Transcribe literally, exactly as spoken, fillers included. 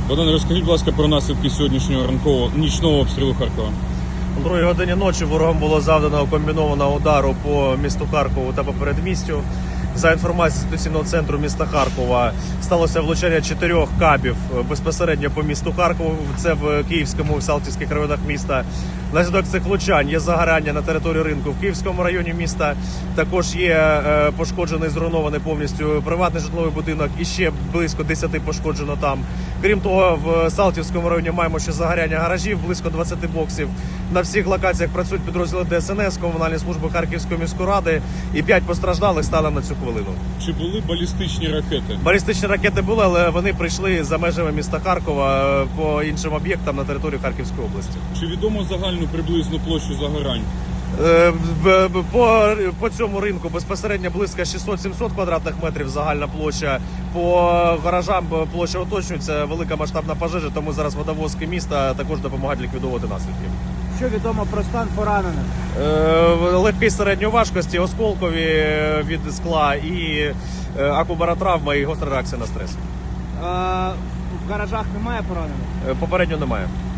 Богдан, розкажіть, будь ласка, про наслідки сьогоднішнього ранкового нічного обстрілу Харкова. О другій годині ночі ворогом було завдано комбінованого удару по місту Харкову та по передмістю. За інформацією ситуаційного центру міста Харкова, сталося влучання чотирьох кабів безпосередньо по місту Харкову. Це в Київському і Салтівських районах міста. Внаслідок цих влучань є загорання на території ринку в Київському районі міста. Також є пошкоджений, зруйнований повністю приватний житловий будинок і ще близько десяти пошкоджено там. Крім того, в Салтівському районі маємо ще загоряння гаражів, близько двадцяти боксів. На всіх локаціях працюють підрозділи Де Ес Ен Ес, комунальні служби Харківської міської ради і п'ять постраждалих станом на цю хвилину. Чи були балістичні ракети? Балістичні ракети були, але вони прийшли за межами міста Харкова по іншим об'єктам на територію Харківської області. Чи відомо загальну приблизну площу загорань? По, по цьому ринку безпосередньо близько шістсот-сімсот квадратних метрів загальна площа. По гаражам площа уточнюється, велика масштабна пожежа, тому зараз водовозки міста також допомагають ліквідовувати наслідки. Що відомо про стан поранених? Легкий середньої важкості, осколкові від скла і акубаротравма і гостра реакція на стрес. В гаражах немає поранених? Попередньо немає.